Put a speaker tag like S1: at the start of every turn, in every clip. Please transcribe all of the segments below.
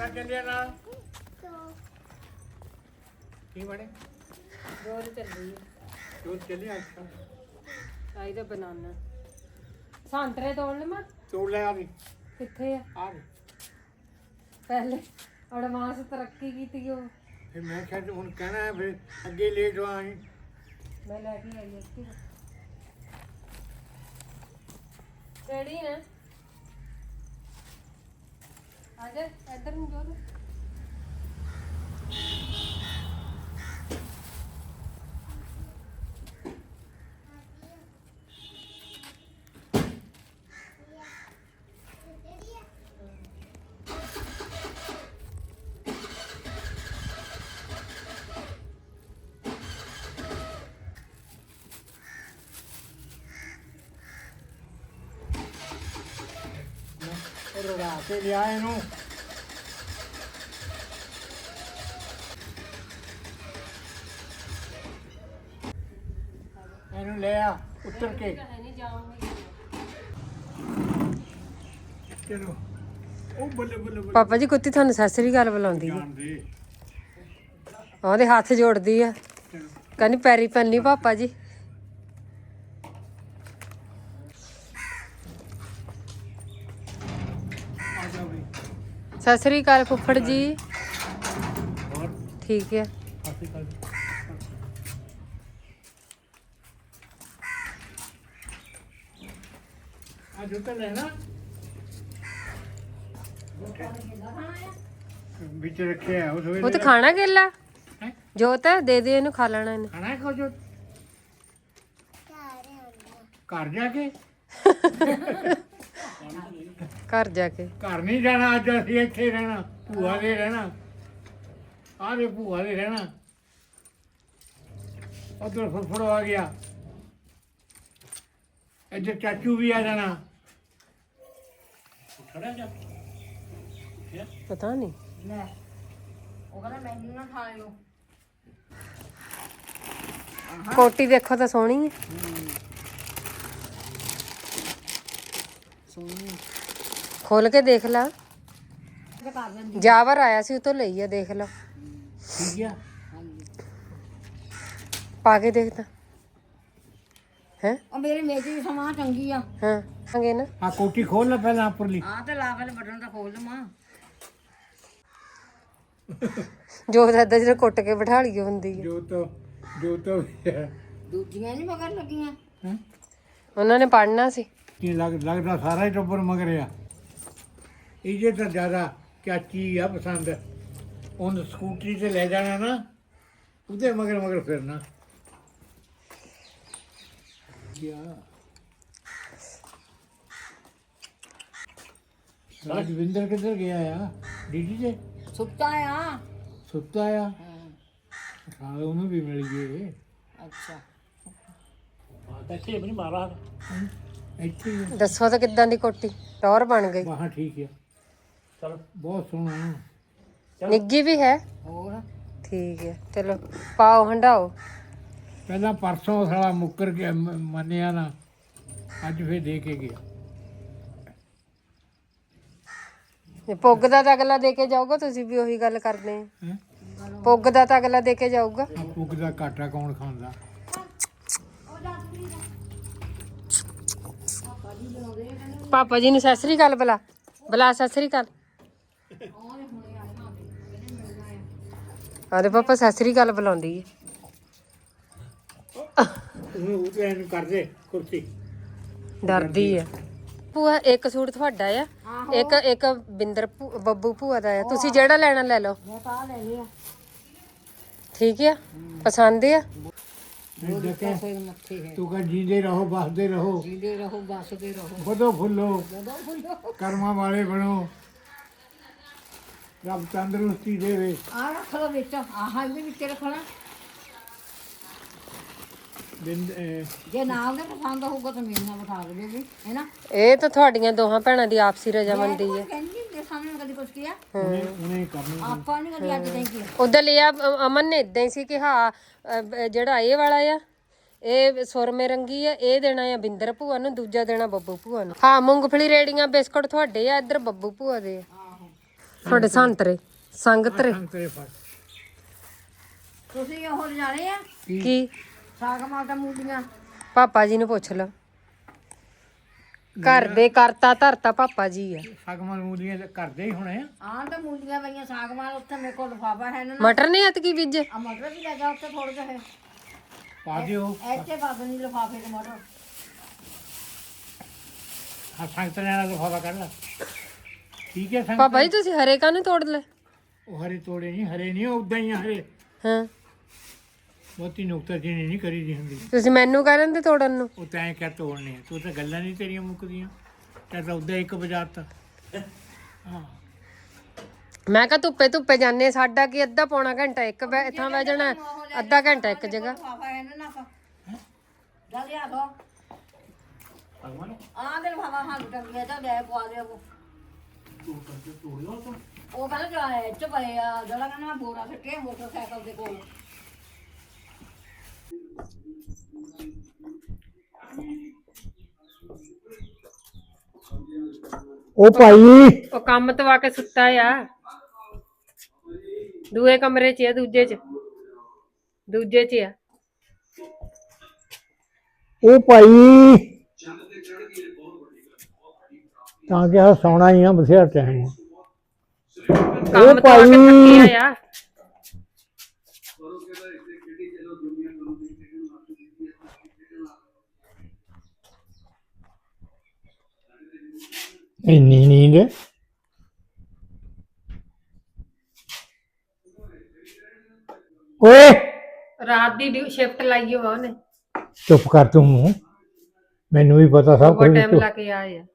S1: ਚੱਲਿਆ ਨਾਲ ਕੀ ਬਣੇ
S2: ਰੋਜ਼ ਚੱਲੀ
S1: ਤੂੰ ਚੱਲਿਆ
S2: ਚਾਹੀਦਾ ਬਨਾਨਾ ਸੰਤਰੇ ਤੋੜ ਲਵਾਂ
S1: ਤੋੜ ਲੈ ਆ ਵੀ
S2: ਕਿੱਥੇ ਆ
S1: ਆ
S2: ਪਹਿਲੇ ਐਡਵਾਂਸ ਤਰੱਕੀ ਕੀਤੀ ਉਹ
S1: ਫਿਰ ਮੈਂ ਕਿਹਾ ਹੁਣ ਕਹਿਣਾ ਹੈ ਫਿਰ ਅੱਗੇ ਲੇਟ ਹੋਵਾਂਗੇ
S2: ਮੈਂ ਲੈ ਕੇ ਆਈ ਇੱਥੇ ਕਿਹੜੀ ਨਾ ਆ ਜਾ ਇੱਧਰ ਨੂੰ ਜੋ
S1: ਰੋੜਾ ਤੇ ਲਿਆ ਇਹਨੂੰ ਇਹਨੂੰ ਲੈ ਆ ਉੱਤਰ ਕੇ
S2: ਨਹੀਂ ਜਾਊਂਗੀ
S1: ਚਲੋ ਉਹ ਬੱਲੇ ਬੱਲੇ ਬੱਲੇ
S2: ਪਾਪਾ ਜੀ ਕੁੱਤੀ ਤੁਹਾਨੂੰ ਸਤਿ ਸ੍ਰੀ ਅਕਾਲ ਬੁਲਾਉਂਦੀ ਹੈ
S1: ਜਾਣਦੇ
S2: ਉਹਦੇ ਹੱਥ ਜੋੜਦੀ ਆ
S1: ਚਲੋ
S2: ਕਹਿੰਦੀ ਪੈਰੀ ਪੈਣੀ ਪਾਪਾ ਜੀ
S1: ਆ ਜਾ ਬਈ
S2: ਸਤਿ ਸ੍ਰੀ ਅਕਾਲ ਫੁੱਫੜ ਜੀ
S1: ਹੋਰ
S2: ਠੀਕ ਹੈ
S1: ਕਾਫੀ ਕਰ ਆ ਜੁੱਤਾ ਲੈਣਾ ਵਿੱਚ ਰੱਖਿਆ ਉਸ ਵੇਲੇ
S2: ਉਹ ਤੇ ਖਾਣਾ ਕੇਲਾ
S1: ਹੈਂ?
S2: ਜੋਤ ਦੇ ਦੇ ਇਹਨੂੰ ਖਾ ਲੈਣਾ ਇਹਨੇ
S1: ਖਾਣਾ ਖੋ ਜੋ ਘਰ ਜਾ ਕੇ
S2: ਘਰ ਜਾ ਕੇ
S1: ਘਰ ਨਹੀਂ ਜਾਣਾ ਅੱਜ ਅਸੀਂ ਇੱਥੇ ਰਹਿਣਾ ਭੂਆ ਦੇ ਰਹਿਣਾ ਆਰੇ ਭੂਆ ਦੇ ਰਹਿਣਾ ਉਧਰ ਫੁੱਫੜ ਆ ਗਿਆ ਇੱਧਰ ਚਾਚੂ ਵੀ ਆ ਜਾਣਾ ਖੜਾ ਜਾ
S2: ਪਤਾ ਨਹੀਂ
S3: ਲੈ ਉਹ ਕਹਿੰਦਾ ਮੈਨੂੰ ਨਾ ਖਾਇਓ
S2: ਕੋਟੀ ਦੇਖੋ ਤਾਂ ਸੋਹਣੀ ਹੈ
S3: ਸੋਹਣੀ
S2: ਖੋਲ ਕੇ ਦੇਖ ਲਾ
S3: ਤੇ ਕਰ ਦਿੰਦੀ
S2: ਜਾਵਰ ਆਇਆ ਸੀ ਉਹ ਤੋਂ ਲਈ ਆ ਦੇਖ ਲਾ
S1: ਠੀਕ ਆ
S3: ਹਾਂਜੀ
S2: ਪਾ ਕੇ ਦੇਖ ਤਾਂ ਹੈ
S3: ਉਹ ਮੇਰੇ ਮੇਜ ਦੀ ਸਮਾਂ ਚੰਗੀ ਆ
S2: ਹਾਂ ਮੰਗੇ ਨਾ
S1: ਆ ਕੋਟੀ ਖੋਲ ਲੈ ਪਹਿਲਾਂ ਉੱਪਰਲੀ
S3: ਹਾਂ ਤੇ ਲਾ ਕੇ ਬਟਨ ਤਾਂ ਖੋਲ ਲਵਾਂ
S2: ਜੋ ਦਾਦਾ ਜੀ ਨੇ ਕੁੱਟ ਕੇ ਬਿਠਾ ਲਈ ਹੁੰਦੀ ਹੈ
S1: ਜੋ ਤਾਂ
S3: ਦੂਜੀਆਂ ਨਹੀਂ ਮਗਰ ਲੱਗੀਆਂ
S1: ਹੈਂ?
S2: ਉਹਨਾਂ ਨੇ ਪੜਨਾ ਸੀ
S1: ਕੀ ਲੱਗਦਾ ਸਾਰਾ ਹੀ ਟੱਬਰ ਮਗਰ ਆ ਇਹ ਤਾਂ ਜ਼ਿਆਦਾ ਚਾਚੀ ਆ ਪਸੰਦ ਉਹਨੂੰ ਸਕੂਟਰੀ ਤੇ ਲੈ ਜਾਣਾ ਨਾ ਉਹਦੇ ਮਗਰ ਮਗਰ ਫਿਰਨਾ ਰਾਜਵਿੰਦਰ ਕਿੱਧਰ ਗਿਆ ਆ ਡੀਡੀ ਤੇ
S3: ਸੁੱਤਾ ਆ
S1: ਸੁੱਤਾ ਆ ਸਾਲੇ ਉਹਨੂੰ ਵੀ ਮਿਲ ਗਏ
S3: ਅੱਛਾ
S1: ਇੱਥੇ ਵੀ ਨਹੀਂ ਮਾਰਾ ਇੱਥੇ ਹੀ ਆ।
S2: ਦੱਸੋ ਤਾਂ ਕਿੱਦਾਂ ਦੀ ਕੋਟੀ ਟੌਰ ਬਣ ਗਈ
S1: ਬਾਹਾਂ ਠੀਕ ਆ ਚਲੋ ਬਹੁਤ ਸੋਹਣਾ
S2: ਨਿੱਗੀ ਵੀ ਹੈ
S3: ਹੋਰ
S2: ਠੀਕ ਹੈ ਚਲੋ ਪਾਓ ਹੰਡਾਓ
S1: ਪਹਿਲਾਂ ਪਰਸੋਂ ਸਾਲਾ ਮੁੱਕਰ ਕੇ ਮੰਨਿਆ ਨਾ ਅੱਜ ਫੇਰ ਦੇ ਕੇ ਗਿਆ
S2: ਇਹ ਪੁੱਗ ਦਾ ਤਾਂ ਅਗਲਾ ਦੇ ਕੇ ਜਾਊਗਾ ਤੁਸੀਂ ਵੀ ਉਹੀ ਗੱਲ ਕਰਦੇ ਆ
S1: ਹੈਂ?
S2: ਪੁੱਗ ਦਾ ਤਾਂ ਅਗਲਾ ਦੇ ਕੇ ਜਾਊਗਾ
S1: ਆ ਪੁੱਗ ਦਾ ਘਾਟਾ ਕੌਣ ਖਾਂਦਾ
S2: ਪਾਪਾ ਜੀ ਨੂੰ ਸਤਿ ਸ੍ਰੀ ਅਕਾਲ ਬੁਲਾ ਬੁਲਾ ਸਤਿ ਸ੍ਰੀ ਅਕਾਲ ਆਦੇ ਪਾਪਾ ਸਤਿ ਸ੍ਰੀ ਅਕਾਲ ਬੁਲਾਉਂਦੀ ਹੈ
S1: ਉਹਨੂੰ ਉਹਦੇ ਇਹਨੂੰ ਕਰਦੇ ਕੁਰਸੀ
S2: ਡਰਦੀ ਆ ਭੂਆ ਇੱਕ ਸੂਟ ਤੁਹਾਡਾ ਆ ਇੱਕ ਬਿੰਦਰ ਬੱਬੂ ਭੂਆ ਦਾ ਆ ਤੁਸੀਂ ਜਿਹੜਾ ਲੈਣਾ ਲੈ ਲਓ
S3: ਮੈਂ ਤਾਂ ਲੈ ਲਿਆ
S2: ਠੀਕ ਆ ਪਸੰਦ ਆ
S3: ਕੋਈ ਮੱਥੇ ਹੈ
S1: ਤੂੰ ਕਹ ਜੀਂਦੇ ਰਹੋ ਬਸਦੇ ਰਹੋ
S3: ਜੀਂਦੇ ਰਹੋ ਬਸਦੇ ਰਹੋ
S1: ਵਧੋ ਫੁੱਲੋ
S3: ਜਦੋਂ ਬੋਲੋ
S1: ਕਰਮਾਂ ਵਾਲੇ ਬਣੋ ਰੱਬ ਤੰਦਰੁਸਤੀ ਦੇਵੇ
S3: ਆ ਰੱਖ ਲੋ ਵਿੱਚ ਆਹ ਵੀ ਵਿੱਚ ਰੱਖਣਾ ਜੇ ਨਾਲ ਦੇ ਪਸੰਦ ਹੋਊਗਾ ਤਾਂ ਮੇਰੇ ਨਾਲ ਬਿਠਾ ਦੇ ਵੀ ਹੈਨਾ
S2: ਇਹ ਤਾਂ ਤੁਹਾਡੀਆਂ ਦੋਹਾਂ ਭੈਣਾਂ ਦੀ ਆਪਸੀ ਰਜਾਮੰਦੀ ਹੈ
S3: ਕਹਿੰਦੀ ਦੇ ਸਾਹਮਣੇ ਕਦੀ ਕੁਛ ਕੀਆ
S1: ਉਹਨੇ ਕਰਨਾ
S3: ਆਪਾਂ ਨਹੀਂ ਕਦੀ ਅੱਜ ਨਹੀਂ ਕੀਆ
S2: ਉਧਰ ਲਿਆ ਅਮਨ ਨੇ ਇਦਾਂ ਹੀ ਸੀ ਕਿ ਹਾਂ ਜਿਹੜਾ ਇਹ ਵਾਲਾ ਆ ਇਹ ਸੁਰਮੇ ਰੰਗੀ ਆ ਇਹ ਦੇਣਾ ਆ ਬਿੰਦਰ ਭੂਆ ਨੂੰ ਦੂਜਾ ਦੇਣਾ ਬੱਬੂ ਭੂਆ ਨੂੰ ਹਾਂ ਮੂੰਗਫਲੀ ਰੇੜੀਆਂ ਬਿਸਕੁਟ ਤੁਹਾਡੇ ਆ ਇੱਧਰ ਬੱਬੂ ਭੂਆ ਦੇ ਆ
S3: ਆਹੋ
S2: ਤੁਹਾਡੇ ਸੰਤਰੇ ਸੰਗਤਰੇ
S1: ਸੰਤਰੇ ਫਲ
S3: ਤੁਸੀਂ ਉਹ ਲਿਜਾਣੇ ਆ
S2: ਕੀ
S3: ਸਾਗ ਮਾਲਟਾ ਮੂਲੀਆਂ
S2: ਪਾਪਾ ਜੀ ਨੂੰ ਪੁੱਛ ਲਓ ਘਰ ਦੇ ਕਰਤਾ ਧਰਤਾ ਪਾਪਾ ਜੀ ਆ
S1: ਸਾਗਮਾਲ ਮੂਲੀਆਂ ਤੇ ਕਰਦੇ ਹੀ ਹੋਣੇ ਆ
S3: ਆਹ ਤਾਂ ਮੂਲੀਆਂ ਪਈਆਂ ਸਾਗ ਮਾਲ ਉੱਥੇ ਮੇਰੇ ਕੋਲ ਲਿਫਾਫਾ ਹੈ ਨਾ
S2: ਮਟਰ ਨਹੀਂ ਐਤਕੀ ਬੀਜੇ
S3: ਆ ਮਟਰ ਵੀ ਲੱਗਾ ਉੱਥੇ ਥੋੜੇ ਜਿਹੇ
S1: ਪਾ ਦਿਓ
S3: ਇੱਥੇ ਪਾ ਦੇਣੀ ਲਿਫਾਫੇ ਚ ਮਟਰ
S1: ਆ ਸੰਤਰਿਆਂ ਦਾ ਲਿਫਾਫਾ ਕੱਢ ਲਾ ਠੀਕ ਹੈ
S2: ਪਾਪਾ ਜੀ ਤੁਸੀਂ ਹਰੇ ਕਾਹਨੂੰ ਤੋੜ ਲੈ
S1: ਉਹ ਹਰੇ ਤੋੜੇ ਨਹੀਂ ਹਰੇ ਨਹੀਂ ਉਦਾਂ ਹੀ ਆ ਹਰੇ
S2: ਹਾਂ
S1: ਬਹੁਤੀ ਨੁਕਤਾਚੀਨੀ ਨਹੀਂ ਕਰੀ ਦੀ ਹੁੰਦੀ
S2: ਤੁਸੀਂ ਮੈਨੂੰ ਕਹਿ ਤੇ ਤੋੜਨ ਨੂੰ
S1: ਉਹ ਤੈਂ ਕਿਆ ਤੋੜਨੇ ਆ ਤੂੰ ਤਾਂ ਗੱਲਾਂ ਨਹੀਂ ਤੇਰੀਆਂ ਮੁੱਕਦੀਆਂ ਤੈਂ ਤਾਂ ਉਦਾਂ ਇੱਕ ਵਜਾਤਾ ਹਾਂ
S2: ਮੈਂ ਕਿਹਾ ਧੁੱਪੇ ਜਾਂਦੇ ਸਾਡਾ ਕੀ ਅੱਧਾ ਪੌਣਾ ਘੰਟਾ ਇੱਕ ਇੱਥਾਂ ਬਹਿ ਜਾਣਾ ਅੱਧਾ ਘੰਟਾ ਇੱਕ ਜਗ੍ਹਾ
S3: ਲਿਫਾਫਾ ਹੈ ਨਾ ਜਾ ਲਿਆ ਦੋ ਆਹ ਦੇ ਲਿਫਾਫਾ ਹਾਂ ਟੰਗਿਆ ਤਾਂ ਲੈ ਪਵਾ ਦੇ ਉਹ ਕਹਿੰਦਾ ਜਾ ਇੱਥੇ ਪਏ ਆ ਜਿਹੜਾ ਕਹਿੰਦਾ ਮੈਂ ਬੋਰਾ ਸੱਟੇ ਮੋਟਰਸਾਈਕਲ ਦੇ ਕੋਲ
S1: ਉਹ ਭਾਈ
S2: ਉਹ ਕੰਮ ਤੋਂ ਆ ਕੇ ਸੁੱਤਾ ਆ ਦੂਏ ਕਮਰੇ 'ਚ ਆ ਦੂਜੇ 'ਚ ਆ
S1: ਉਹ ਭਾਈ ਤਾਂ ਕਿ ਸੌਣਾ ਹੀ ਆ ਬਥੇਰਾ ਟਾਈਮ
S2: ਕੰਮ ਤੋਂ ਆ ਕੇ ਥੱਕਿਆ ਆ
S1: ਇੰਨੀ ਨੀਂਦ ਓਏ
S2: ਰਾਤ ਦੀ ਸ਼ਿਫਟ ਲਾਈ ਹੋਆ ਉਹਨੇ
S1: ਚੁੱਪ ਕਰ ਤੂੰ ਮੂੰਹ ਮੈਨੂੰ ਵੀ ਪਤਾ ਸਭ
S2: ਬਹੁਤ
S1: ਕੁਝ
S2: ਟਾਈਮ ਲਾ ਕੇ ਆਏ ਆ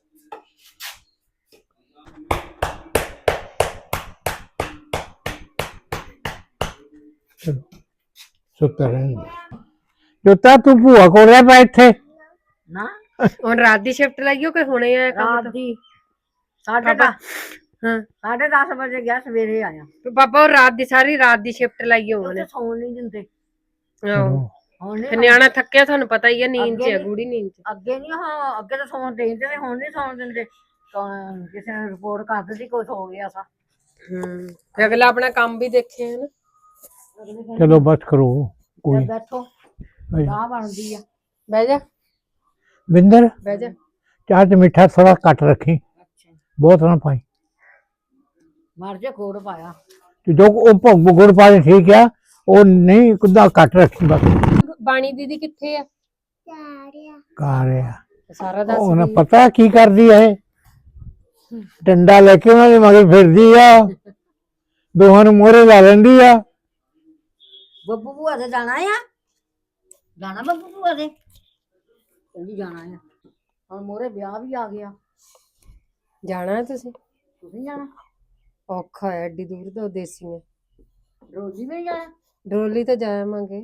S1: ਸੁੱਤਾ ਰਹਿੰਦਾ ਜੋਤਾ ਤੂੰ ਭੂਆ ਕੋਲ ਰਹਿ ਪਾ ਇੱਥੇ
S3: ਨਾ
S2: ਹੁਣ ਰਾਤ ਦੀ ਸ਼ਿਫਟ ਲਾਈ ਹੋ ਕਿ ਹੁਣੇ ਆਇਆ ਕੰਮ
S3: ਰਾਤ
S2: ਤੋਂ
S3: ਦੀ ਸਾਢੇ ਦਸ
S2: ਹਾਂ
S3: 10:30 ਵਜੇ ਗਿਆ ਸਵੇਰੇ ਆਇਆ
S2: ਤੇ ਪਾਪਾ ਉਹ ਰਾਤ ਦੀ ਸਾਰੀ ਰਾਤ ਦੀ ਸ਼ਿਫਟ ਲਾਈ ਹੋ ਉਹਨੇ
S3: ਉੱਥੇ ਸੌਣ ਨਹੀਂ ਦਿੰਦੇ
S2: ਆਹੋ
S3: ਹੁਣ
S2: ਤੇ
S3: ਨਹੀਂ
S2: ਨਿਆਣਾ ਥੱਕਿਆ ਤੁਹਾਨੂੰ ਪਤਾ ਹੀ ਆ ਨੀਂਦ 'ਚ ਆ ਗੂੜੀ ਨੀਂਦ 'ਚ
S3: ਅੱਗੇ ਨਹੀਂ ਹਾਂ ਅੱਗੇ ਤਾਂ ਸੌਣ ਦੇ ਦਿੰਦੇ ਹੁਣ ਨਹੀਂ ਸੌਣ ਦਿੰਦੇ ਕਿਸੇ ਨੇ ਰਿਪੋਰਟ ਕਰ ਦਿੱਤੀ ਕੁਝ ਹੋ ਗਿਆ ਸਾ
S2: ਤੇ ਅਗਲਾ ਆਪਣਾ ਕੰਮ ਵੀ ਦੇਖੇ ਹੈ ਨਾ
S1: ਚਲੋ ਬਸ ਕਰੋ ਕੋਈ
S3: ਬੈਠੋ ਚਾਹ ਬਣਦੀ ਆ
S2: ਬਹਿ ਜਾ
S1: ਬਿੰਦਰ
S2: ਬਹਿ ਜਾ
S1: ਚਾਹ ਚ ਮਿੱਠਾ ਥੋੜਾ ਘੱਟ ਰੱਖੀ ਬਹੁਤ ਨਾ ਪਾਈ
S3: ਮਰ ਜੇ ਕੋੜ ਪਾਇਆ
S1: ਤੇ ਜੋ ਉਹ ਗੁੜ ਪਾ ਦੇ ਠੀਕ ਆ ਉਹ ਨਹੀਂ ਕੁੱਦਾ ਘੱਟ ਰੱਖੀ ਬਸ
S2: ਬਾਣੀ ਦੀਦੀ ਕਿੱਥੇ ਆ
S1: ਘਰ ਆ
S2: ਸਾਰਾ ਦੱਸ
S1: ਉਹਨਾਂ ਪਤਾ ਕੀ ਕਰਦੀ ਹੈ ਡੰਡਾ ਲੈ ਕੇ ਉਹਨਾਂ ਦੇ ਮਗਰ ਫਿਰਦੀ ਆ ਦੋਹਾਂ ਨੂੰ ਮੋਹਰੇ ਲਾ ਲੈਂਦੀ ਆ
S3: ਬੱਬੂ ਭੂਆ ਦੇ ਜਾਣਾ ਆ ਜਾਣਾ ਬੱਬੂ ਭੂਆ ਦੇ ਕਹਿੰਦੀ ਜਾਣਾ ਆ ਹੁਣ ਮੋਰੇ ਵਿਆਹ ਵੀ ਆ ਗਿਆ
S2: ਜਾਣਾ ਹੈ ਤੁਸੀਂ
S3: ਤੁਸੀਂ ਜਾਣਾ
S2: ਔਖਾ ਹੈ ਐਡੀ ਦੂਰ ਤੋਂ ਦੇਸੀਆਂ
S3: ਰੋਜੀ ਵੀ ਜਾਣਾ
S2: ਡੋਲੀ ਤਾਂ ਜਾਵਾਂਗੇ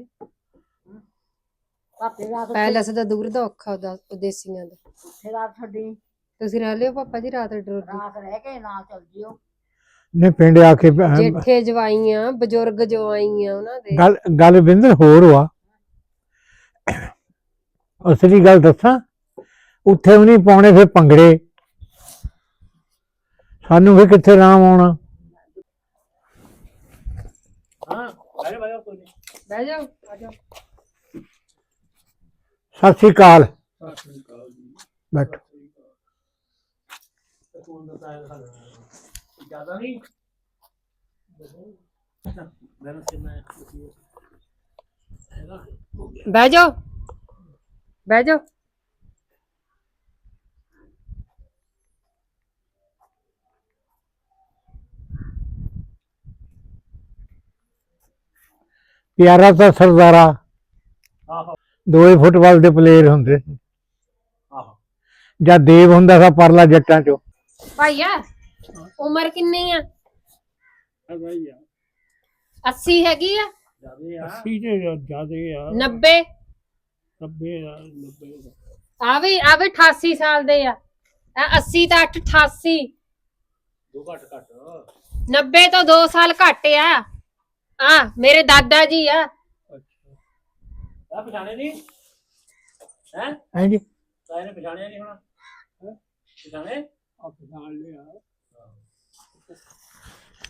S3: ਪਾਪੇ ਰਾਤ
S2: ਪੈਲਸ ਦਾ ਦੂਰ ਦਾ ਔਖਾ ਉਹਦਾ ਦੇਸੀਆਂ ਦਾ
S3: ਉੱਥੇ ਰਾਤ ਛੱਡੀ
S2: ਤੁਸੀਂ ਰਹਿ ਲਿਓ ਪਾਪਾ ਜੀ ਰਾਤ ਡੋਲੀ
S3: ਰਾਤ ਰਹਿ ਕੇ ਨਾਲ ਚੱਲ ਜਿਓ
S1: ਨੇ ਪਿੰਡ ਆ ਕੇ
S2: ਜੇਠੇ ਜਵਾਈਆਂ ਬਜ਼ੁਰਗ ਜਵਾਈਆਂ ਉਹਨਾਂ ਦੇ
S1: ਗੱਲ ਬਿੰਦਰ ਹੋਰ ਵਾ ਅਸਲੀ ਗੱਲ ਦੱਸਾਂ ਉੱਥੇ ਵੀ ਨਹੀਂ ਪਾਉਣੇ ਫਿਰ ਭੰਗੜੇ ਸਾਨੂੰ ਵੀ ਕਿੱਥੇ ਆਰਾਮ ਆਉਣਾ
S2: ਬਹਿ ਜਾਓ ਆ ਜਾਓ
S1: ਸਤਿ ਸ੍ਰੀ ਅਕਾਲ ਬੈਠੋ
S2: ਬਹਿ ਜਾਓ ਬਹਿ ਜਾਓ
S1: ਪਿਆਰਾ ਤਾਂ ਸਰਦਾਰਾ ਦੋਏ ਫੁੱਟਬਾਲ ਦੇ ਪਲੇਅਰ ਹੁੰਦੇ ਸੀ ਜਾਂ ਦੇਵ ਹੁੰਦਾ ਸੀ ਪਰਲਾ ਜੱਟਾਂ ਚੋਂ
S2: ਭਾਈਆ ਉਮਰ ਕਿੰਨੀ ਆ 80 ਹੈਗੀ ਆ
S1: 80 ਤੇ ਜ਼ਿਆਦੇ ਆ
S2: 90
S1: 90
S2: ਆਵੇ 88 ਸਾਲ ਦੇ ਆ 80 ਤਾਂ 88
S1: ਦੋ ਘੱਟ
S2: 90 ਤੋਂ 2 ਸਾਲ ਘੱਟ ਆ ਮੇਰੇ ਦਾਦਾ ਜੀ ਆ
S4: ਆ ਪਛਾਣੇ ਨਹੀਂ ਹੈ
S1: ਹਾਂਜੀ
S4: ਤਾਏ ਨੇ ਪਛਾਣਿਆ ਨਹੀਂ ਹੋਣਾ ਪਛਾਣੇ
S1: ਆ ਪਛਾਣ ਲਿਆ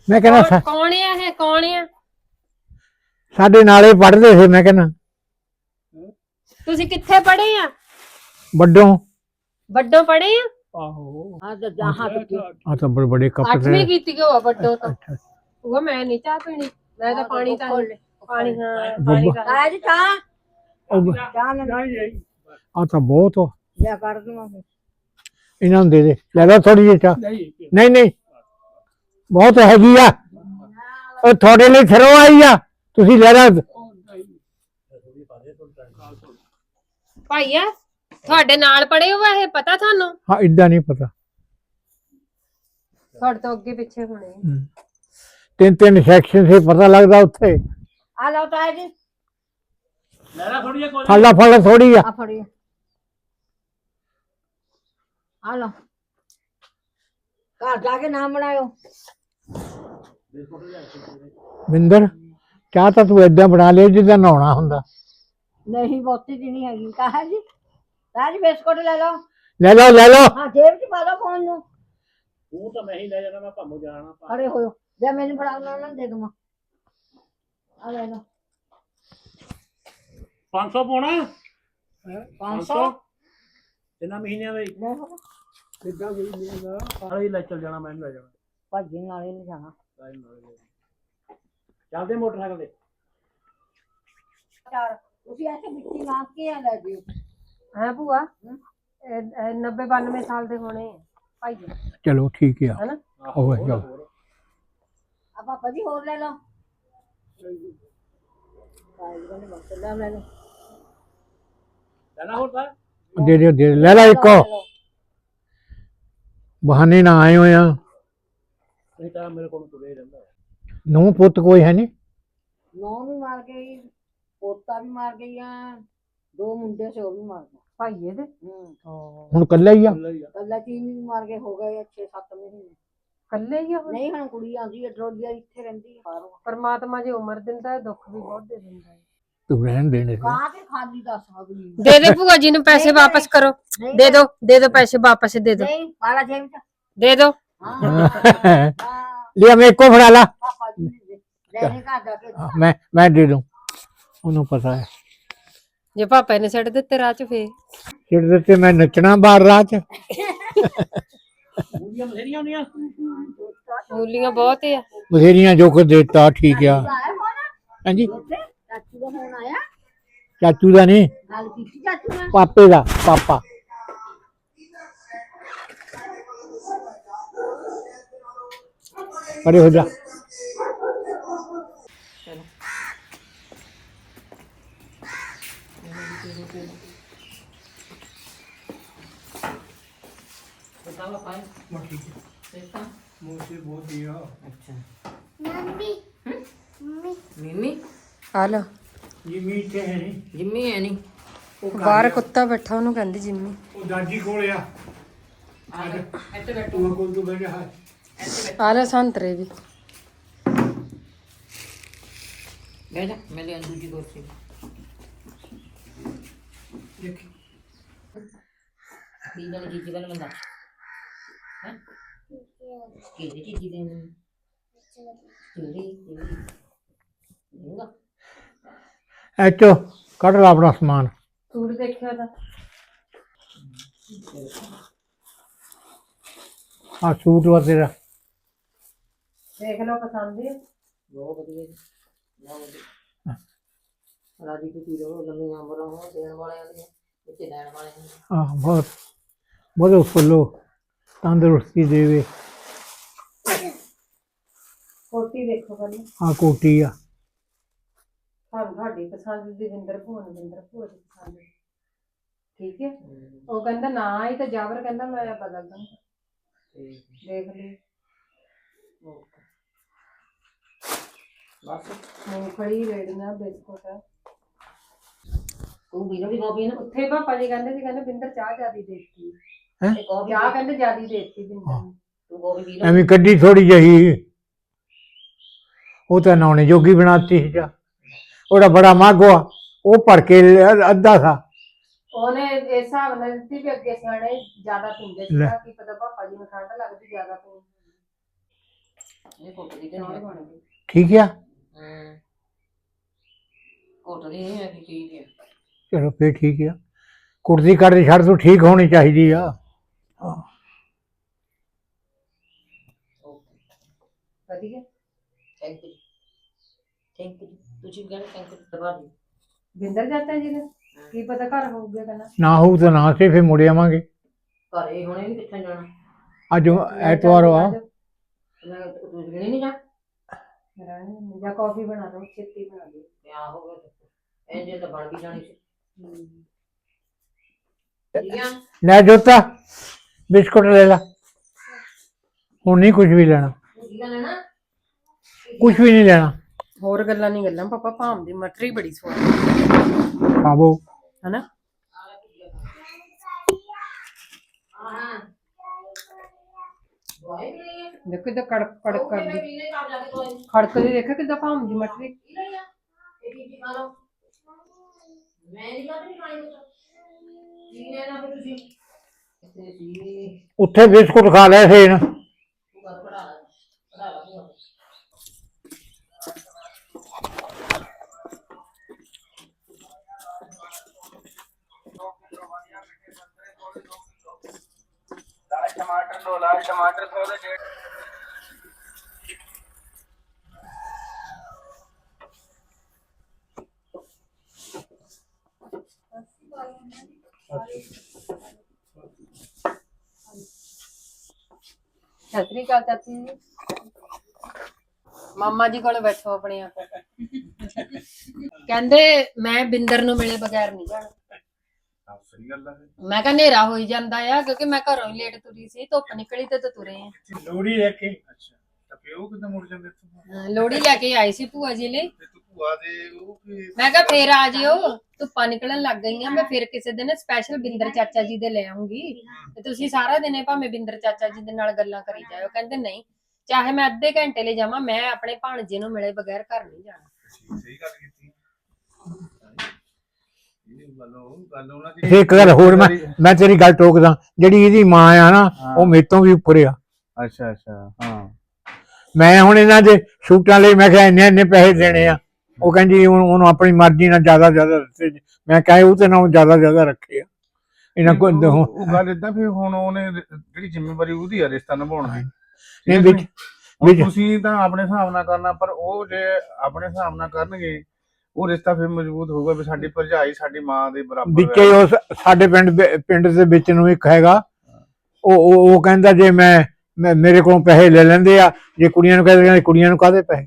S1: ਮੈਂ ਕਹਿੰਦਾ
S2: ਕੌਣ ਆ ਇਹ ਕੌਣ ਆ?
S1: ਸਾਡੇ ਨਾਲੇ ਪੜ੍ਹਦੇ ਸੀ। ਮੈਂ ਕਹਿੰਦਾ
S2: ਤੁਸੀਂ ਕਿੱਥੇ ਪੜ੍ਹੇ ਆ?
S1: ਵੱਡੋਂ
S2: ਵੱਡੋਂ ਪੜ੍ਹੇ ਆ?
S4: ਆਹੋ
S3: ਹਾਂ ਤੇ ਜਹਾਂ ਤੱਕ
S1: ਆ ਤਾਂ ਬੜੇ ਬੜੇ ਕੱਪ
S2: 8ਵੀਂ ਕੀਤੀ ਕਿ ਉਹ ਵੱਡੋਂ ਤੋਂ? ਉਹ ਮੈਂ ਨਹੀਂ ਚਾਹ ਪੀਣੀ, ਮੈਂ ਤਾਂ ਪਾਣੀ ਤਾਂ ਪਾਣੀ ਹਾਂ ਪਾਣੀ ਦਾ
S3: ਆਇਆ ਜੀ ਚਾਹ ਚਾਹ ਲੈ
S1: ਆ ਤਾਂ ਬਹੁਤ
S3: ਲਿਆ ਕਰ ਦੂੰਗਾ
S1: ਇਹਨਾਂ ਨੂੰ ਦੇ ਲੈ ਲਓ ਥੋੜੀ ਜਿਹੀ ਚਾਹ।
S4: ਨਹੀਂ
S1: ਨਹੀਂ ਨਹੀਂ ਬਹੁਤ ਹੈਗੀ ਆ, ਉਹ ਤੁਹਾਡੇ ਲਈ ਥਰੋ ਆਈ ਆ, ਤੁਸੀਂ ਲੈ ਲਓ।
S2: ਭਾਈਆ ਤੁਹਾਡੇ ਨਾਲ ਪੜ੍ਹੇ ਹੋ ਇਹ ਪਤਾ ਤੁਹਾਨੂੰ?
S1: ਹਾਂ ਇਦਾਂ ਨਹੀਂ ਪਤਾ।
S2: ਤੁਹਾਡੇ ਤੋਂ ਅੱਗੇ ਪਿੱਛੇ ਹੋਣੇ।
S1: ਤਿੰਨ ਤਿੰਨ ਸੈਕਸ਼ਨ ਸੇ ਪਤਾ ਲੱਗਦਾ ਉੱਥੇ।
S3: ਆ ਲਓ ਤਾਇਆ ਜੀ
S4: ਲੈਣਾ ਥੋੜੀ ਜਿਹਾ ਕੋਈ
S1: ਫੜ ਥੋੜੀ ਆ।
S3: ਆ ਫੜੀਏ ਆ ਲਓ ਘਰ ਜਾ ਕੇ ਨਾਮ ਬਣਾਇਓ
S1: ਮਿੰਦਰ ਚਾਹ ਤਾਂ ਤੂੰ ਏਦਾਂ ਬਣਾ ਲਿਆ ਜਿੱਦਾਂ ਨਹਾਉਣਾ ਹੁੰਦਾ।
S3: ਨਹੀਂ ਬਹੁਤੀ ਜੀ ਨਹੀਂ ਹੈਗੀ ਤਾਇਆ ਜੀ ਤਾਇਆ ਜੀ ਬਿਸਕੁਟ ਲੈ ਲਓ
S1: ਲੈ ਲਓ
S3: ਹਾਂ ਜੇਬ 'ਚ ਪਾ ਲਓ ਫੋਨ ਨੂੰ
S4: ਤੂੰ ਤਾਂ ਮੈਂ ਹੀ ਲੈ ਜਾਣਾ, ਮੈਂ ਭਾਮੋ ਜਾਣਾ
S3: ਖੜੇ ਹੋਇਓ ਜੇ ਮੈਨੂੰ ਫੜਾ ਉਹਨਾਂ ਦੇ ਦੂੰਗਾ ਆ ਲੈ ਲਓ
S4: 500 ਪਾਉਣਾ
S3: 500
S4: ਤਿੰਨਾਂ ਮਹੀਨਿਆਂ ਦਾ ਹੀ
S3: ਲੈ ਲਓ
S4: ਕਿੱਦਾਂ ਮਹੀਨਿਆਂ ਦਾ ਸਾਰੇ ਲੈ ਚੱਲ ਜਾਣਾ, ਮੈਂ ਲੈ ਜਾਣਾ
S3: ਭਾਜੀ ਨਾਲੇ ਨਹੀਂ ਜਾਣਾ
S4: ਚੱਲਦੇ ਮੋਟਰਸਾਈਕਲ ਤੇ
S3: ਚਾਰ ਤੁਸੀਂ ਐਸੇ ਮਿੱਟੀ ਮਾਰ ਕੇ ਆ ਲੈ ਜਿਓ
S2: ਹੈ ਭੂਆ 90 92 ਸਾਲ ਦੇ ਹੋਣੇ ਆ ਭਾਈਆ,
S1: ਚਲੋ ਠੀਕ ਆ।
S2: ਹੈਨਾ?
S1: ਉਹ ਚਲੋ
S3: ਆ ਪਾਪਾ ਜੀ ਹੋਰ ਲੈ ਲਓ ਲੈ ਲਓ
S4: ਲੈਣਾ ਹੋਰ ਤਾਂ
S1: ਦੇ ਲੈ ਲੈ ਇੱਕੋ ਬਹਾਨੇ ਨਾ ਆਏ ਹੋਏ ਆ।
S4: ਨਹੀਂ ਤਾਂ ਮੇਰੇ ਕੋਲ ਤੁਰੇ ਰਹਿੰਦਾ
S1: ਨੂੰ ਪੁੱਤ ਕੋਈ ਹੈ ਨਹੀਂ?
S3: ਨੌ ਵੀ ਮਾਰ ਗਈ ਪੋਤਾ ਵੀ ਮਾਰ ਗਈ ਆ ਦੋ ਮੁੰਡੇ ਸੀ ਉਹ ਵੀ ਮਾਰ ਗਏ
S2: ਭਾਈਏ ਦੇ
S1: ਹੁਣ ਕੱਲਾ ਹੀ ਆ?
S3: ਕੱਲਾ ਚੀਨ ਵੀ ਮਾਰ ਕੇ ਹੋ ਗਏ 6-7 ਮਹੀਨੇ
S2: ਕੱਲੇ ਹੀ ਆ ਹੁਣ?
S3: ਨਹੀਂ ਹੁਣ ਕੁੜੀ ਆਉਂਦੀ ਹੈ ਡਰੋਲੀਆ ਇੱਥੇ ਰਹਿੰਦੀ ਹੈ ਬਾਹਰੋਂ
S2: ਪਰਮਾਤਮਾ ਜੇ ਉਮਰ ਦਿੰਦਾ ਹੈ ਦੁੱਖ ਵੀ ਬਹੁਤ ਦੇ ਦਿੰਦਾ ਹੈ।
S1: ਤੂੰ ਰਹਿਣ ਦੇਣੇ
S3: ਕਾਂ ਤੇ ਖਾਲੀ ਦੱਸ ਅਗਲੀ
S2: ਦੇ ਦੇ ਭੂਆ ਜੀ ਨੂੰ ਪੈਸੇ ਵਾਪਸ ਕਰੋ, ਦੇ ਦੋ ਪੈਸੇ ਵਾਪਸ ਦੇ ਦੋ,
S3: ਨਹੀਂ ਪਾਲਾ ਜੇਬ ਚ
S2: ਦੇ ਦੋ।
S3: ਹਾਂ
S1: ਲਿਆ ਮੈਂ ਇੱਕੋ ਫੜਾ ਲਾ।
S3: ਪਾਪਾ ਜੀ ਨੇ ਲੈਣੇ ਘਰ ਜਾ ਕੇ
S1: ਮੈਂ ਦੇ ਦੂੰ, ਉਹਨੂੰ ਪਤਾ ਹੈ।
S2: ਜੇ ਪਾਪਾ ਨੇ ਛੱਡ ਦਿੱਤੇ ਰਾਹ ਚ ਫੇਰ
S1: ਛਿੜ ਦਿੱਤੇ ਮੈਂ ਨੱਚਣਾ ਬਾਹਰ ਰਾਹ ਚ।
S4: ਮੂਲੀਆਂ ਬਥੇਰੀਆਂ ਹੁੰਦੀਆਂ
S2: ਮੂਲੀਆਂ ਬਹੁਤ ਆ।
S1: ਬਥੇਰੀਆਂ ਜੋ ਕੁ ਦੇਤਾ ਠੀਕ ਆ।
S3: ਆਇਆ ਫੋਨ
S1: ਹਾਂਜੀ
S3: ਚਾਚੂ ਦਾ ਫੋਨ ਆਇਆ
S1: ਚਾਚੂ ਦਾ ਨਹੀਂ,
S3: ਗੱਲ ਕੀਤੀ ਚਾਚੂ ਨਾਲ
S1: ਪਾਪੇ ਦਾ। ਪਾਪਾ ਪਰੇ ਹੋ ਜਾ।
S3: ਮਿੰਮੀ
S2: ਆ ਲੋ
S1: ਜਿੰਮੀ ਇੱਥੇ ਹੈ ਨਹੀਂ,
S3: ਜਿੰਮੀ ਹੈ ਨਹੀਂ
S2: ਬਾਹਰ ਕੁੱਤਾ ਬੈਠਾ ਉਹਨੂੰ ਕਹਿੰਦੀ ਜਿੰਮੀ।
S1: ਉਹ ਦਾਦੀ ਕੋਲ ਆ।
S3: ਇੱਥੇ ਬੈਠੋ
S1: ਤੂੰ ਕੋਲ ਤੂੰ ਬੈਠਾ ਹੈ।
S2: ਆ ਲੈ ਸੰਤਰੇ ਵੀ।
S3: ਬਹਿ ਜਾ ਮੈਂ ਲੈ ਦੂਜੀ ਕੁਰਸੀ
S1: ਦੇਖ
S3: ਕੀ ਗੱਲ ਕੀ ਗੱਲ ਬੰਦਾ ਹੈ ਕਿਹੜੀ ਚੀਜ਼ ਦੇਣੀ ਜਿਹੜੀ ਦੇਗਾ
S1: ਐਚੋ ਕੱਢ ਲਾ ਆਪਣਾ ਸਮਾਨ।
S2: ਸੂਟ ਦੇਖਿਆ ਤਾਂ
S1: ਆ ਸੂਟ ਵਾ ਤੇਰਾ।
S2: ਦੇਖ ਲਓ ਪਸੰਦ ਹੈ।
S3: ਬਹੁਤ ਵਧੀਆ ਜੀ ਬਹੁਤ ਵਧੀਆ ਰਾਜੀ ਤੁਸੀਂ ਰਹੋ ਲੰਮੀਆਂ ਉਮਰਾਂ ਹੋ ਦੇਣ ਵਾਲਿਆਂ ਦੀਆਂ ਵਿੱਚ ਲੈਣ ਵਾਲਿਆਂ ਦੀਆਂ
S1: ਆ ਬਹੁਤ ਬਹੁਤ ਫੁੱਲੋ ਤੰਦਰੁਸਤੀ ਦੇਵੇ।
S2: ਕੋਟੀ ਦੇਖੋ ਪਹਿਲਾਂ
S1: ਆ ਕੋਟੀ ਆ।
S2: ਸਾਨੂੰ ਤੁਹਾਡੀ ਪਸੰਦ ਦੀ ਵਿੰਦਰ ਭੂਆ ਦੀ ਪਸੰਦ। ਠੀਕ ਹੈ ਉਹ ਕਹਿੰਦਾ ਨਾ ਹੀ ਤੇ ਜਾਵਰ ਕਹਿੰਦਾ ਮੈਂ ਬਦਲ ਦਾਂ। ਦੇਖ ਲਈ
S3: ਬਸ
S2: ਮੂੰਗਫਲੀ ਰੇੜੀਆਂ ਬਿਸਕੁਟ।
S3: ਤੂੰ ਵੀ ਵੀ ਕਾਪੀ ਨਾ
S2: ਉੱਥੇ ਪਾਪਾ ਜੀ ਕਹਿੰਦੇ ਸੀ, ਕਹਿੰਦੇ ਬਿੰਦਰ ਚਾਹ ਜਿਆਦੀ ਦੇਤੀ।
S3: ਇਹ ਕਾਪੀ
S2: ਚਾਹ ਕਹਿੰਦੇ ਜਿਆਦੀ ਦੇਤੀ ਬਿੰਦਰ ਨੂੰ।
S3: ਤੂੰ ਕਾਪੀ ਪੀ ਲੈ
S1: ਐਵੇਂ ਕੱਢੀ ਥੋੜੀ ਜਿਹੀ, ਉਹ ਤਾਂ ਨਹਾਉਣੇ ਜੋਗੀ ਬਣਾਤੀ ਸੀ ਚਾਹ। ਉਹਦਾ ਬੜਾ ਮਾਗੋ ਆ, ਉਹ ਭਰ ਕੇ ਅੱਧਾ ਸਾ
S2: ਉਹਨੇ ਇਸ ਹਿਸਾਬ ਨਾਲ ਦਿੱਤੀ ਵੀ ਅੱਗੇ ਸਿਆਣੇ ਜ਼ਿਆਦਾ ਪੀਂਦੇ ਸੀ
S1: ਲੈ।
S2: ਕਿ ਪਤਾ ਪਾਪਾ ਜੀ ਨੂੰ ਠੰਡ ਲੱਗਦੀ ਜ਼ਿਆਦਾ ਪੀਂਦੇ।
S3: ਇਹ ਕੁੱਟਦੀ ਤੇ
S2: ਚਾਹ
S3: ਨਹੀਂ
S2: ਬਣ ਗਈ।
S1: ਠੀਕ ਆ
S3: ਕੁੱਟਦੀ ਨਹੀਂ ਹੈਗੀ ਠੀਕ ਹੈ।
S1: ਚਲੋ ਫੇਰ ਠੀਕ ਆ। ਕੁੜਦੀ ਕਰਦੀ ਛੱਡ ਤੂੰ ਠੀਕ ਹੋਣੀ ਚਾਹੀਦੀ ਆ। ਹਾਂ
S2: ਵਧੀਆ।
S3: ਥੈਂਕ ਯੂ ਤੁਸੀਂ ਕਹਿੰਦੇ ਥੈਂਕ ਯੂ ਦਬਾ ਦੇ।
S2: ਬਿੰਦਰ ਚਾਚਾ ਜੀ ਨੇ ਕੀ ਪਤਾ ਘਰ ਹੋਊਗਾ ਕਹਿੰਦਾ।
S1: ਨਾ ਹੋਊ ਤਾਂ ਨਾ ਸੇ ਫੇਰ ਮੁੜ ਆਵਾਂਗੇ।
S3: ਘਰੇ ਹੁਣੇ ਵੀ ਕਿੱਥੇ ਜਾਣਾ?
S1: ਅੱਜ ਐਤਵਾਰ ਆ।
S3: ਮੈਂ ਤੂੰ ਗਿਣੀ ਨਹੀਂ ਜਾ
S2: ਜਾਂ ਕਾਫੀ ਬਣਾ ਲਓ ਛੇਤੀ ਬਣਾ ਦਿਓ।
S3: ਕਿਆ ਹੋ ਗਿਆ ਇੰਜੇ ਤਾਂ ਬਣ ਵੀ ਜਾਣੀ ਸੀ। ਠੀਕ ਆ
S1: ਲੈ ਜੋਤਾ ਬਿਸਕੁਟ ਲੈ ਲਾ। ਹੁਣ ਨਹੀਂ ਕੁਝ ਵੀ ਲੈਣਾ,
S3: ਕੀ ਲੈਣਾ?
S1: ਕੁਝ ਵੀ ਨਹੀਂ ਲੈਣਾ।
S2: ਹੋਰ ਗੱਲਾਂ ਨਹੀਂ ਗੱਲਾਂ ਪਾਪਾ ਭਾਮ ਦੀ ਮਟਰੀ ਬੜੀ ਸਵਾਦ
S1: ਖਾਵੋ।
S2: ਹਨਾ। ਦੇਖੋ ਕਿੱਦਾਂ ਕੜਕ ਕੜਕ ਕਰਦੀ ਖੜਕਦੀ। ਦੇਖੋ ਕਿੱਦਾਂ ਭਾਮ ਦੀ ਮਟਰੀ।
S1: ਉੱਥੇ ਬਿਸਕੁਟ ਖਾ ਲਿਆ ਸੀ ਨਾ।
S4: टमाटर 2 लाख टमाटर 100 ਦੇ 1.5।
S2: ਸਤਿ ਸ੍ਰੀ ਅਕਾਲ ਚਾਚੀ ਜੀ। ਮਾਮਾ ਜੀ ਕੋਲ ਬੈਠੋ ਆਪਣੇ ਆਪ। ਕਹਿੰਦੇ ਮੈਂ ਬਿੰਦਰ ਨੂੰ ਮਿਲੇ ਬਗੈਰ ਨਹੀਂ ਜਾਣਾ।
S4: ਸਹੀ ਗੱਲ ਆ।
S2: ਮੈਂ ਕਿਹਾ ਹਨੇਰਾ ਹੋਈ ਜਾਂਦਾ ਆ ਕਿਉਂਕਿ ਮੈਂ ਘਰੋਂ ਹੀ ਲੇਟ ਤੁਰੀ ਸੀ। ਧੁੱਪ ਨਿਕਲੀ ਤੇ ਤੁਰੇ ਆ।
S1: ਲੋੜੀ ਲੈ ਕੇ
S4: ਅੱਛਾ ਤਾਂ ਫੇ ਉਹ ਕਿੱਦਾਂ ਮੁੜ ਜਾਂਦੇ ਇੱਥੋਂ?
S2: ਲੋੜੀ ਲੈ ਕੇ ਆਈ ਸੀ ਭੂਆ ਜੀ ਲਈ।
S4: ਤੇ ਤੂੰ ਭੂਆ ਦੇ ਉਹ ਕੀ
S2: ਮੈਂ ਕਿਹਾ ਫੇਰ ਆ ਜਿਓ ਧੁੱਪਾਂ ਨਿਕਲਣ ਲੱਗ ਗਈਆਂ। ਮੈਂ ਫਿਰ ਕਿਸੇ ਦਿਨ ਸਪੈਸ਼ਲ ਬਿੰਦਰ ਚਾਚਾ ਜੀ ਦੇ ਲੈ ਆਉਂਗੀ ਤੇ ਤੁਸੀਂ ਸਾਰਾ ਦਿਨ ਭਾਵੇਂ ਬਿੰਦਰ ਚਾਚਾ ਜੀ ਦੇ ਨਾਲ ਗੱਲਾਂ ਕਰੀ ਜਾਇਓ। ਕਹਿੰਦੇ ਨਹੀਂ ਚਾਹੇ ਮੈਂ ਅੱਧੇ ਘੰਟੇ ਲਈ ਜਾਵਾਂ ਮੈਂ ਆਪਣੇ ਭਾਣਜੇ ਨੂੰ ਮਿਲੇ ਬਗੈਰ ਘਰ ਨਹੀਂ ਜਾਣਾ।
S4: ਸਹੀ ਗੱਲ ਕੀਤੀ। ਇਹ ਗੱਲ ਉਹਨਾਂ ਦੀ
S1: ਇੱਕ ਗੱਲ ਹੋਰ ਮੈਂ ਤੇਰੀ ਗੱਲ ਟੋਕਦਾ। ਜਿਹੜੀ ਇਹਦੀ ਮਾਂ ਆ ਨਾ ਉਹ ਮੇਰੇ ਤੋਂ ਵੀ ਉੱਪਰ ਆ।
S4: ਅੱਛਾ ਅੱਛਾ ਹਾਂ।
S1: ਮੈਂ ਹੁਣ ਇਹਨਾਂ ਦੇ ਸੂਟਾਂ ਲਈ ਮੈਂ ਕਿਹਾ ਇੰਨੇ ਪੈਸੇ ਦੇਣੇ ਆ। ਉਹ ਕਹਿੰਦੀ ਉਹਨੂੰ ਆਪਣੀ ਮਰਜ਼ੀ ਨਾਲ ਜ਼ਿਆਦਾ ਦਿੱਤੇ। ਮੈਂ ਕਹੇ ਉਹ ਤੇ ਨਾਲ ਜ਼ਿਆਦਾ ਰੱਖੇ ਆ ਇਹਨਾਂ ਕੋਲ।
S4: ਉਹ ਗੱਲ ਏਦਾਂ ਫਿਰ ਹੁਣ ਉਹਨੇ ਜਿਹੜੀ ਜ਼ਿੰਮੇਵਾਰੀ ਉਹਦੀ ਆ ਰਿਸ਼ਤਾ ਨਿਭਾਉਣ ਦੀ।
S1: ਨਹੀਂ ਵਿੱਚ
S4: ਹੁਣ ਤੁਸੀਂ ਤਾਂ ਆਪਣੇ ਹਿਸਾਬ ਨਾਲ ਕਰਨਾ ਪਰ ਉਹ ਜੇ ਆਪਣੇ ਹਿਸਾਬ ਨਾਲ ਕਰਨਗੇ ਉਹ ਰਿਸ਼ਤਾ ਫਿਰ ਮਜ਼ਬੂਤ ਹੋਊਗਾ ਵੀ ਸਾਡੀ ਭਰਜਾਈ ਸਾਡੀ ਮਾਂ ਦੇ ਬਰਾਬਰ
S1: ਵਿੱਚੇ ਉਹ ਸਾਡੇ ਪਿੰਡ ਦੇ ਵਿੱਚ ਨੂੰ ਇੱਕ ਹੈਗਾ। ਉਹ ਕਹਿੰਦਾ ਜੇ ਮੈਂ ਮੇਰੇ ਕੋਲੋਂ ਪੈਸੇ ਲੈ ਲੈਂਦੇ ਆ। ਜੇ ਕੁੜੀਆਂ ਨੂੰ ਕਹਿੰਦੇ ਕੁੜੀਆਂ ਨੂੰ ਕਾਹਦੇ ਪੈਸੇ।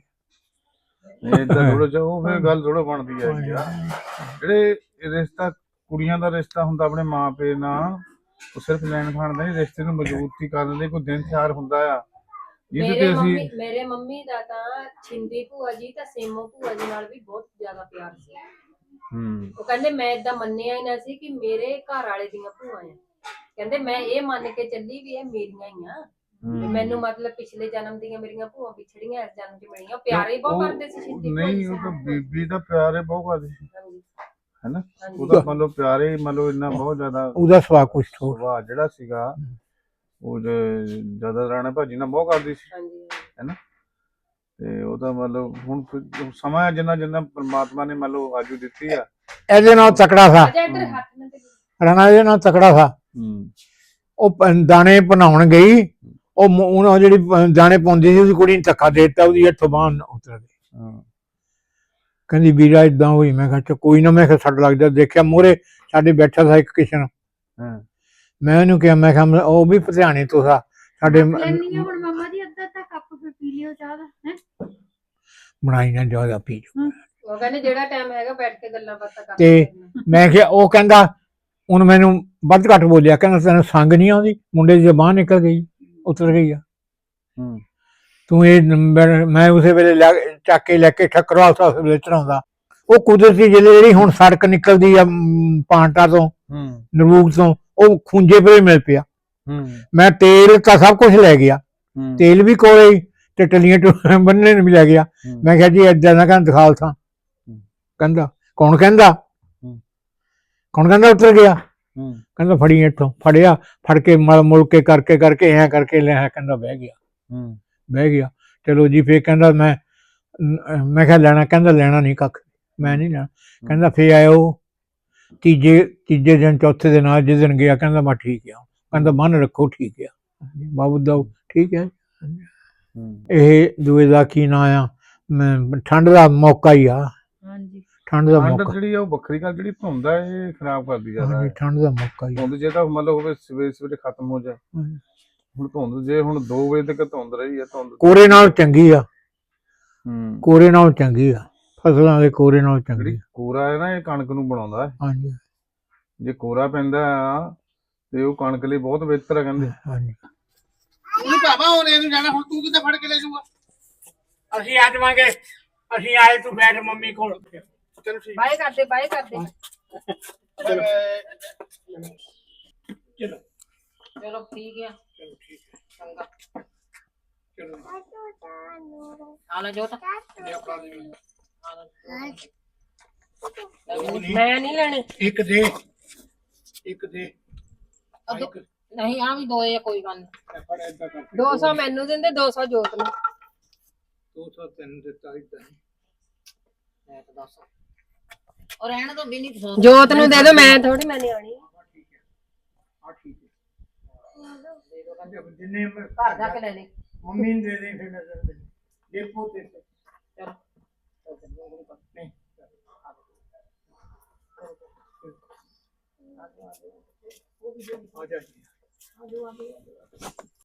S4: ਏਦਾਂ ਥੋੜਾ ਜਿਹਾ ਉਹ ਫਿਰ ਗੱਲ ਥੋੜਾ ਬਣਦੀ ਹੈ ਯਾਰ। ਜਿਹੜੇ ਰਿਸ਼ਤਾ ਕੁੜੀਆਂ ਦਾ ਰਿਸ਼ਤਾ ਹੁੰਦਾ ਆਪਣੇ ਮਾਂ ਪਿਓ ਨਾਲ ਉਹ ਸਿਰਫ ਲੈਣ ਖਾਣ ਦਾ ਨਹੀਂ ਰਿਸ਼ਤੇ ਨੂੰ ਮਜ਼ਬੂਤੀ ਕਰਨ ਲਈ ਕੋਈ ਦਿਨ ਤਿਉਹਾਰ ਹੁੰਦਾ ਆ ਜਿਹਦੇ ਤੇ ਅਸੀਂ।
S2: ਮੇਰੇ ਮੰਮੀ ਦਾ ਤਾਂ ਛਿੰਦੀ ਭੂਆ ਜੀ ਤਾਂ ਸੇਮੋ ਭੂਆ ਜੀ ਨਾਲ ਵੀ ਬਹੁਤ ਜ਼ਿਆਦਾ ਪਿਆਰ ਸੀ। ਉਹ ਕਹਿੰਦੇ ਮੈਂ ਏਦਾਂ ਮੰਨਿਆ ਹੀ ਨਾ ਸੀ ਕਿ ਮੇਰੇ ਘਰ ਵਾਲੇ ਦੀਆਂ ਭੂਆ ਆ। ਕਹਿੰਦੇ ਮੈਂ ਇਹ ਮੰਨ ਕੇ ਚੱਲੀ ਵੀ ਇਹ ਮੇਰੀਆਂ ਹੀ ਆ। ਮੈਨੂੰ ਮਤਲਬ ਪਿਛਲੇ ਜਨਮ ਦੀਆਂ ਮੇਰੀਆਂ ਭੂਆ ਵਿਛੜੀਆਂ ਇਸ ਜਨਮ 'ਚ ਮਿਲੀਆਂ। ਪਿਆਰ ਹੀ ਬਹੁਤ ਕਰਦੇ ਸੀ ਛਿੰਦੀ ਭੂਆ ਜੀ।
S4: ਨਹੀਂ ਉਹ ਤਾਂ ਬੀਬੀ ਦਾ ਪਿਆਰ ਹੀ ਬਹੁਤ ਕਰਦੀ ਸੀ
S2: ਹਾਂਜੀ
S4: ਹੈਨਾ। ਉਹਦਾ ਮੰਨ ਲਓ ਪਿਆਰ ਹੀ ਮੰਨ ਲਓ ਇੰਨਾ ਬਹੁਤ ਜ਼ਿਆਦਾ
S1: ਉਹਦਾ ਸੁਭਾਅ ਕੁਛ ਹੋਰ
S4: ਸੁਭਾਅ ਜਿਹੜਾ ਸੀਗਾ ਉਹ ਜ਼ਿਆਦਾ ਰਾਣਾ ਭਾਜੀ ਨਾਲ ਬਹੁਤ ਕਰਦੀ ਸੀ
S2: ਹਾਂਜੀ
S4: ਹੈਨਾ। ਤੇ ਉਹਦਾ ਮਤਲਬ ਹੁਣ ਸਮਾਂ ਜਿੰਨਾ ਜਿੰਨਾ ਪਰਮਾਤਮਾ ਨੇ ਮੰਨ ਲਓ ਆਜੂ ਦਿੱਤੀ ਆ
S1: ਇਹਦੇ ਨਾਲ ਤਕੜਾ ਥਾ। ਰਾਣਾ ਇਹਦੇ ਨਾਲ ਤਕੜਾ ਥਾ। ਉਹ ਦਾਣੇ ਭਨਾਉਣ ਗਈ। ਉਹ ਜਿਹੜੀ ਦਾਣੇ ਪਾਉਂਦੀ ਸੀ ਉਹਦੀ ਕੁੜੀ ਨੇ ਧੱਕਾ ਦੇ ਦਿੱਤਾ। ਉਹਦੀ ਹੱਥੋਂ ਬਾਂਹ ਉਤਰ ਗਈ। ਕਹਿੰਦੀ ਵੀਰਾ ਏਦਾਂ ਹੋਈ। ਮੈਂ ਕਿਹਾ ਕੋਈ ਨਾ। ਮੈਂ ਕਿਹਾ ਛੱਡ ਲੱਗ ਜਾ। ਦੇਖਿਆ ਮੂਹਰੇ ਸਾਡੇ ਬੈਠਾ ਥਾ ਇੱਕ ਕਿਸ਼ਨ। ਮੈਂ ਉਹਨੂੰ ਕਿਹਾ ਮੈਂ ਕਿਹਾ ਉਹ ਵੀ ਪਧਿਆਣੇ ਤੋਂ ਥਾ ਸਾਡੇ।
S5: ਹੁਣ ਮਾਮਾ ਜੀ ਅੱਧਾ ਕੱਪ ਪੀ ਲਿਓ ਚਾਹ ਦਾ ਹੈ।
S1: ਬਣਾਈ ਨਾ ਜ਼ਿਆਦਾ ਪੀ ਜੋ।
S2: ਉਹ ਕਹਿੰਦੇ ਜਿਹੜਾ ਟਾਈਮ ਹੈਗਾ ਬੈਠ ਕੇ ਗੱਲਾਂ ਬਾਤਾਂ ਕਰ।
S1: ਤੇ ਮੈਂ ਕਿਹਾ ਉਹ ਕਹਿੰਦਾ ਹੁਣ ਮੈਨੂੰ ਵੱਧ ਘੱਟ ਬੋਲਿਆ। ਕਹਿੰਦਾ ਤੈਨੂੰ ਸੰਗ ਨਹੀਂ ਆਉਂਦੀ ਮੁੰਡੇ ਦੀ ਜ਼ਬਾਨ ਨਿਕਲ ਗਈ ਉਤਰ ਗਈ ਆ। ਤੂੰ ਇਹ ਮੈਂ ਉਸੇ ਵੇਲੇ ਚੱਕ ਕੇ ਲੈ ਕੇ ਠੱਕਰਵਾਲ ਵੇਲੇ ਚੜਾਉਂਦਾ। ਉਹ ਕੁਦਰਤੀ ਜਿਹੜੀ ਹੁਣ ਸੜਕ ਨਿਕਲਦੀ ਆ ਪਾਂਟਾ ਤੋਂ ਨਰੂਕ ਤੋਂ ਉਹ ਖੂੰਜੇ ਪਰੇ ਮਿਲ ਪਿਆ। ਮੈਂ ਤੇਲ ਤਾਂ ਸਭ ਕੁਝ ਲੈ ਗਿਆ। ਤੇਲ ਵੀ ਕੋਲੇ ਤੇ ਟੱਲੀਆਂ ਬੰਨਣੇ ਨੂੰ ਵੀ ਲੈ ਗਿਆ। ਮੈਂ ਕਿਹਾ ਜੀ ਏਦਾਂ ਦਾ ਕਹਿੰਦਾ ਦਿਖਾਲ ਥਾਂ। ਕਹਿੰਦਾ ਕੌਣ ਕਹਿੰਦਾ ਉਤਰ ਗਿਆ। ਕਹਿੰਦਾ ਫੜੀ ਇੱਥੋਂ। ਫੜਿਆ ਫੜ ਕੇ ਮੁੜ ਕੇ ਕਰਕੇ ਐਂ ਕਰਕੇ ਲਿਆ। ਕਹਿੰਦਾ ਬਹਿ ਗਿਆ ਚਲੋ ਜੀ। ਫੇਰ ਕਹਿੰਦਾ ਮੈਂ ਕਿਹਾ ਲੈਣਾ, ਕਹਿੰਦਾ ਲੈਣਾ ਨਹੀਂ ਕੱਖ, ਮੈਂ ਨਹੀਂ ਲੈਣਾ। ਕਹਿੰਦਾ ਫੇਰ ਆਇਓ ਤੀਜੇ ਦਿਨ, ਚੌਥੇ ਦਿਨ ਆ, ਜਿਸ ਦਿਨ ਗਿਆ ਕਹਿੰਦਾ ਮੈਂ ਠੀਕ ਆ, ਕਹਿੰਦਾ ਬੰਨ ਰੱਖੋ ਠੀਕ ਆ ਬਾਬੂ ਦਾ, ਠੀਕ ਹੈ। ਇਹ ਦੂਏ ਦਾ ਕੀ ਨਾਂ ਆ, ਠੰਡ ਦਾ ਮੌਕਾ ਹੀ ਆ।
S2: ਹਾਂਜੀ
S1: ਠੰਡ ਦਾ
S4: ਠੰਡ
S1: ਮੌਕਾ,
S4: ਜਿਹੜੀ ਆ ਉਹ ਵੱਖਰੀ ਗੱਲ, ਜਿਹੜੀ ਧੁੰਦ ਆ ਇਹ ਖਰਾਬ ਕਰਦੀ ਜ਼ਿਆਦਾ
S1: ਹਾਂਜੀ
S4: ਹੈ।
S1: ਠੰਡ ਦਾ ਮੌਕਾ ਹੀ ਆ।
S4: ਧੁੰਦ ਜੇ ਤਾਂ ਮਤਲਬ ਹੋਵੇ ਸਵੇਰੇ ਸਵੇਰੇ ਖਤਮ ਹੋ ਜਾਏ।
S1: ਹਾਂਜੀ।
S4: ਹੁਣ ਧੁੰਦ ਜੇ ਹੁਣ 2 ਵਜੇ ਤੱਕ ਧੁੰਦ ਰਹੀ ਹੈ, ਧੁੰਦ
S1: ਕੋਰੇ ਨਾਲ ਚੰਗੀ ਆ,
S4: ਹੂੰ
S1: ਕੋਰੇ ਨਾਲ ਚੰਗੀ ਆ, ਫਸਲਾਂ ਦੇ ਕੋਰੇ ਨਾਲ ਚੰਗੀ
S4: ਜਿਹੜੀ
S1: ਆ।
S4: ਕੋਰਾ ਹੈ ਨਾ ਇਹ ਕਣਕ ਨੂੰ ਬਣਾਉਂਦਾ ਹੈ।
S1: ਹਾਂਜੀ
S4: ਜੇ ਕੋਰਾ ਪੈਂਦਾ ਆ ਤੇ ਉਹ ਕਣਕ ਲਈ ਬਹੁਤ ਬਿਹਤਰ ਹੈ ਕਹਿੰਦੇ।
S1: ਹਾਂਜੀ।
S6: ਤੂੰ ਭਾਵਾ ਹੁਣ ਇਹਨੂੰ ਜਾਣਾ, ਹੁਣ ਤੂੰ ਕਿੱਥੇ ਫੜ ਕੇ ਲੈ ਜਾਊਗਾ?
S1: ਅਸੀਂ ਆ ਜਾਵਾਂਗੇ, ਅਸੀਂ ਆਏ, ਤੂੰ ਬੈਠ ਮੰਮੀ ਕੋਲ।
S6: ਚਲੋ ਠੀਕ
S2: ਬਾਏ ਕਰਦੇ ਬਾਏ ਕਰਦੇ
S6: ਚਲੋ
S1: ਚਲੋ
S2: ਚਲੋ ਠੀਕ ਆ
S1: ਚਲੋ ਠੀਕ ਹੈ,
S2: ਚੰਗਾ
S1: ਚਲੋ
S2: ਆ ਲੈ ਜੋਤ
S1: ਇਹ ਆਪਣਾ ਦੇ ਮੈਨੂੰ।
S2: ਮੈਂ ਨਹੀਂ ਲੈਣੇ
S1: ਇੱਕ ਦੇ, ਇੱਕ ਦੇ,
S2: ਨਹੀਂ ਆ ਵੀ ਦੋਏ ਆ, ਕੋਈ ਗੱਲ ਨਹੀਂ।
S1: ਫੜ ਏਦਾਂ ਕਰ,
S2: 200 ਮੈਨੂੰ ਦਿੰਦੇ, 200 ਜੋਤ ਨੂੰ।
S1: 203 ਦਿੱਤਾ ਇਦਾਂ
S3: ਮੈਂ ਤਾਂ ਦੱਸ ਔਰ ਰਹਿਣ ਤੋਂ ਵੀ ਨਹੀਂ
S2: ਜੋਤ ਨੂੰ ਦੇ ਦੋ, ਮੈਂ ਥੋੜੀ ਮੈਂ ਨਿਆਣੀ ਆ।
S1: ਠੀਕ ਹੈ, ਹਾਂ ਠੀਕ ਹੈ। ਜਿੰਨੇ
S2: ਘਰ ਜਾ ਕੇ ਲੈ ਲੈ।
S1: ਮੰਮੀ ਨੂੰ ਦੇ ਦੇ, ਫਿਰ ਨਜ਼ਰ ਦੇ ਦੇਖੋ ਤੇ
S2: ਚਲੋ
S1: ਨਹੀਂ ਆ ਜਾ।